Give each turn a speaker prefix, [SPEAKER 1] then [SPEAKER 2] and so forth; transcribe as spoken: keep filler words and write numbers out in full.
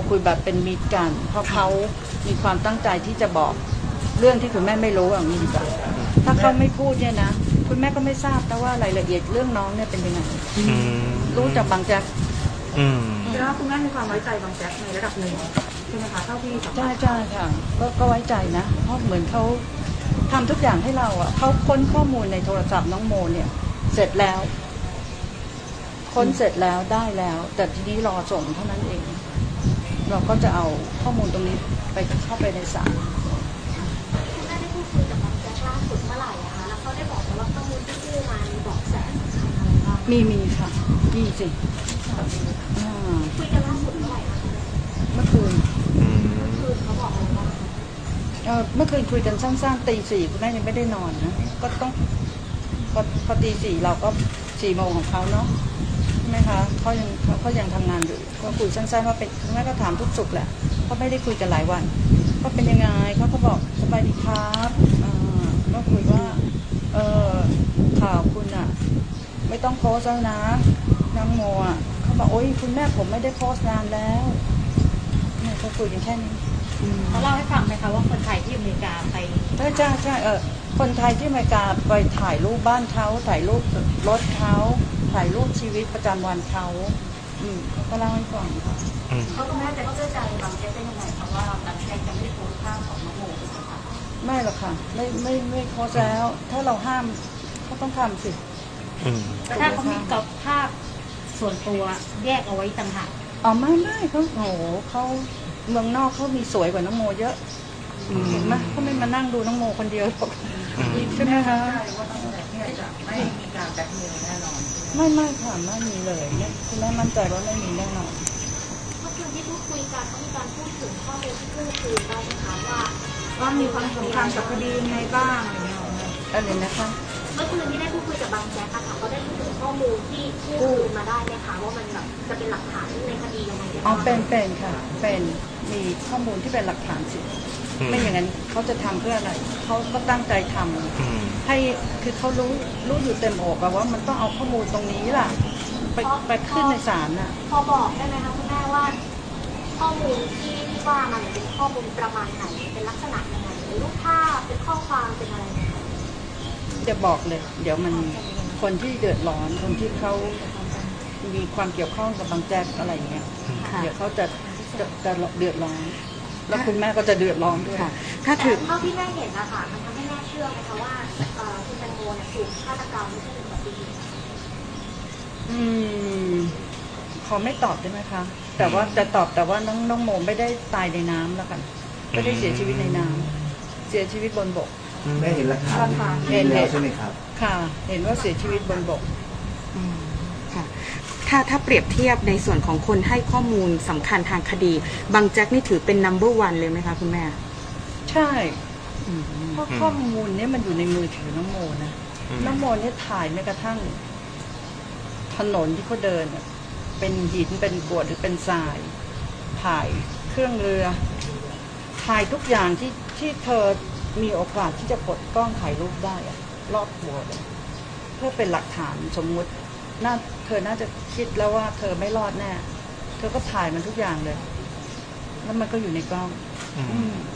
[SPEAKER 1] คุยแบบเป็นมิตรกันเพราะเขามีความตั้งใจที่จะบอกเรื่องที่คุณแม่ไม่รู้อย่างนี้ดีกว่าถ้าเขาไม่พูดเนี่ยนะคุณแม่ก็ไม่ทราบแต่ว่ารายละเอียดเรื่องน้องเนี่ยเป็นยังไงรู้จากบางแจ๊ก
[SPEAKER 2] แล้วคุณแม่มีความไว้ใจบางแจ๊กในระดับหนึ่งใช่ไหมคะเท่าที่สัมภาษณ์
[SPEAKER 1] ใช่ใช่ค่ะก็ก็ไว้ใจนะเพราะเหมือนเขาทำทุกอย่างให้เราอ่ะเขาค้นข้อมูลในโทรศัพท์น้องโมเนี่ยเสร็จแล้วค้นเสร็จแล้วได้แล้ว แต่ทีนี้รอส่งเท่านั้นเองเราก็จะเอาข้อมูลตรงนี้ไปเข้าไปในศาล
[SPEAKER 3] คุณแม่ได้พูดคุยกับบางแจ๊กล่าสุดเมื่อไหร่อะคะแล้วเขาได้บอกไหมว่าข้อมูลที่กู้มามีเบาะแสสำคัญอะไรบ้าง
[SPEAKER 1] มีมีค่ะมีสิ
[SPEAKER 3] คุยกันล่าสุดเมื่อไหร่คะ
[SPEAKER 1] เมื่อคืน
[SPEAKER 3] เมื่อคืนเขาบอกอะไรบ้าง
[SPEAKER 1] เออเมื่อคืนคุยกันสั้นๆตีสี่คุณแม่ยังไม่ได้นอนนะก็ต้องพอพอตีสี่เราก็สี่โมงของเขาเนาะใช่ไหมคะเขายังเขายังทำงานอยู่ก็คุยสั้นๆว่าเป็นคุณแม่ก็ถามทุกสุขแหละเขาไม่ได้คุยกันหลายวันก็เป็นยังไงเขาก็บอกสบายดีครับก็คุยว่าเออข่าวคุณอ่ะไม่ต้องโพสแล้วนะน้องโมอ่ะเขาบอกโอ๊ยคุณแม่ผมไม่ได้โพสนานแล้วเนี่ยเขาคุยกันแค่นี้
[SPEAKER 2] เขาเล่าให้ฟังไหมคะว่าคนไทยที่อเมริกาไป
[SPEAKER 1] ใช่ใช่ใช่เออคนไทยที่อเมริกาไปถ่ายรูปบ้านเขาถ่ายรูปรถเขาถ่ายรูปชีวิตประจำวันเขาอืมเขาก็เล่าให้ฟังค่ะ
[SPEAKER 3] เขาคุณแม่จะเชื่อใจบางแจ๊กได้ยังไงเพราะว่าบางแจ๊กจะไม่โพสภาพของน้องโมใช่ไหมคะ
[SPEAKER 1] ไม่หรอกค่ะไม่ไม่ไม่โพสแล้วถ้าเราห้ามเขาต้องทำสิ
[SPEAKER 2] แต่ถ้าเขามีกับภาพส่วนตัวแยกเอาไว้ต่างหาก
[SPEAKER 1] อ๋อไม่ไม่เขาโหเขาเมืองนอกเขามีสวยกว่าน้องโมเยอะเห็นไหมเขาไม่มานั่งดูน้องโมคนเดียวหรอกใช่ไหมคะ
[SPEAKER 2] ไม่มีการแบล็คเมลแน่นอน
[SPEAKER 1] ไม่ไม่ค่ะไม่มีเลยคุณแม่มั่นใจว่าไม่มีแน่นอน
[SPEAKER 3] เมื่อคืนที่พูดคุยกันเขามีการพูดถึงข้อมูลที่กู้คืนได้ไหมคะว่า
[SPEAKER 2] ว่ามีความสำคัญกับคดีในบ้างอะไรเงี้ย
[SPEAKER 1] อะไรนะคะ
[SPEAKER 3] เมื่อคืนที่ได้พูดคุยกับบางแจ๊กค่ะเขาได้พูดถึงข้อมูลที่กู้คืนมาได้ไหมคะว่ามันแบบจะเป็นหลักฐานในคดียังไง
[SPEAKER 1] อ๋อเป็นเป็นค่ะเป็นมีข้อมูลที่เป็นหลักฐานสิไม่อย่างนั้นเขาจะทำเพื่ออะไรเขาก็ตั้งใจทำให้คือเขารู้รู้อยู่เต็มอกว่ามันต้องเอาข้อมูลตรงนี้ล่ะไปไปขึ้นในศาลน่ะ
[SPEAKER 3] พอบอกได้ไหมคะคุณแม่ว่าข้อมูลที่ที่ว่ามันเป็นข้อมูลประมาณไหนเป็นลักษณะยังไงเป็นรูปภาพเป็นข้อความเป็นอะไร
[SPEAKER 1] จะบอกเลยเดี๋ยวมันคนที่เดือดร้อนคนที่เขามีความเกี่ยวข้องกับบางแจ๊กอะไรเงี้ยเดี๋ยวเขาจะจะจะเดือดร้อนแล้วคุณแม่ก็จะเดือดร้อนด้วย
[SPEAKER 3] ถ้าถือเท่าที่แม่เห็นนะคะมันทำให้แม่เชื่อไหมคะว่าคุณแตงโมเนี่ยถูกฆาตกรรมไม่ใช่เป็นอุบัติเหตุ
[SPEAKER 1] อืมขอไม่ตอบได้ไหมคะแต่ว่าจะตอบแต่ว่าน้องน้องโมไม่ได้ตายในน้ำแล้วกันไม่ได้เสียชีวิตในน้ำเสียชีวิตบนบก
[SPEAKER 4] ไม่เห็นหลักฐานเห็นแล้วใช่ไหมครับ
[SPEAKER 1] ค่ะเห็นว่าเสียชีวิตบนบก
[SPEAKER 5] ค่ะถ้าถ้าเปรียบเทียบในส่วนของคนให้ข้อมูลสำคัญทางคดีบางแจ็คนี่ถือเป็น นัมเบอร์ วันเลยไหมคะคุณแม่
[SPEAKER 1] ใช่เพราะข้อมูลนี้มันอยู่ในมือถือน้องโมนะน้องโมเนี่ยถ่ายแม้กระทั่งถนนที่เขาเดินเป็นหินเป็นกรวดหรือเป็นทรายถ่ายเครื่องเรือถ่ายทุกอย่างที่ที่เธอมีโอกาสที่จะกดกล้องถ่ายรูปได้อะรอบหัวเลยเพื่อเป็นหลักฐานสมมุติน่าเธอน่าจะคิดแล้วว่าเธอไม่รอดแน่เธอก็ถ่ายมันทุกอย่างเลยแล้วมันก็อยู่ในกล้อง